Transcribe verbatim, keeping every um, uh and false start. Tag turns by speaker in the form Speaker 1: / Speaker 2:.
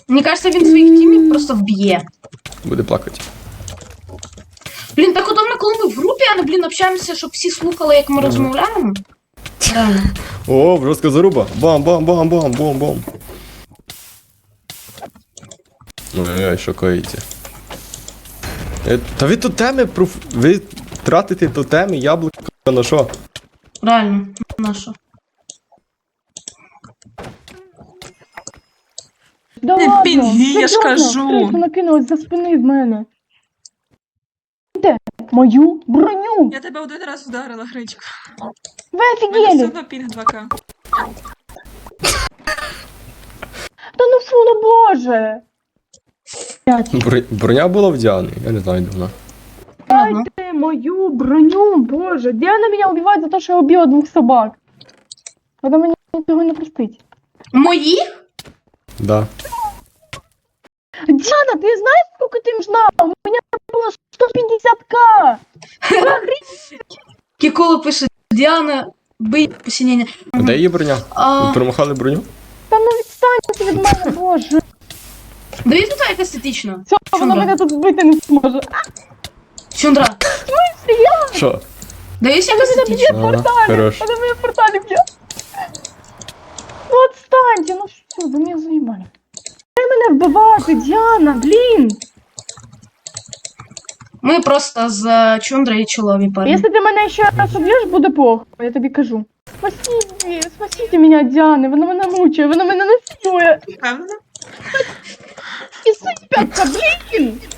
Speaker 1: Мені кажется, він своїх тімів просто вб'є.
Speaker 2: Буде плакати.
Speaker 1: Блін, так удобно, коли ми в групі, а не, блін, общаємося, щоб всі слухали, як ми розмовляємо. Реально.
Speaker 2: О, жорстка заруба. Бам-бам-бам-бам-бам-бам. Ой, шокуєте. Е, Та ви тотеми, проф... ви тратите тотеми, яблука на що?
Speaker 1: Реально. На що?
Speaker 3: Да
Speaker 4: Не
Speaker 3: ладно,
Speaker 4: пінги, я ж
Speaker 3: серйозно,
Speaker 4: кажу.
Speaker 3: Крису накинулась за спини в мене. Де? Мою броню.
Speaker 4: Я тебе один раз вдарила, Гречка.
Speaker 3: Ви
Speaker 4: У мене все
Speaker 3: офігели.
Speaker 4: одно пінг два ка.
Speaker 3: Та ну фу, ну боже.
Speaker 2: Бр... Броня була в Діани, я не знаю, де вона.
Speaker 1: Ага.
Speaker 3: Дайте мою броню, боже. Диана меня убивает за то, что я убила двух собак. Вона мені цього не простить.
Speaker 1: Мої?
Speaker 2: Да.
Speaker 3: Диана, ты знаешь, сколько ты нужна? У меня было сто пятьдесят тысяч.
Speaker 1: Кікола пише, Діана, бий посінення.
Speaker 2: А де її броня?
Speaker 1: А,
Speaker 2: Ви промахали броню?
Speaker 3: Та ну відстаньте від мене, боже.
Speaker 1: дивіться тут як естетично.
Speaker 3: Все, вона мене тут збити не зможе.
Speaker 1: Чундра,
Speaker 2: Що?
Speaker 1: дивіться як
Speaker 3: Вона мене б'є
Speaker 1: естетично.
Speaker 3: в
Speaker 2: Ага,
Speaker 3: порталі.
Speaker 2: хорош.
Speaker 3: Вона мене в порталі б'є. Ну отстаньте, ну все, ви мене заїбали. Дай мене вбивати, Діана, блін.
Speaker 1: Ми просто з Чундрою чолові парні.
Speaker 3: Якщо ти мене ще раз уб'єш, буде плохо, я тобі кажу. Спасіть, спасіть мене, Діани, вона мене мучає, вона мене насилує.
Speaker 4: Впевнена?
Speaker 3: І сипятка, блін!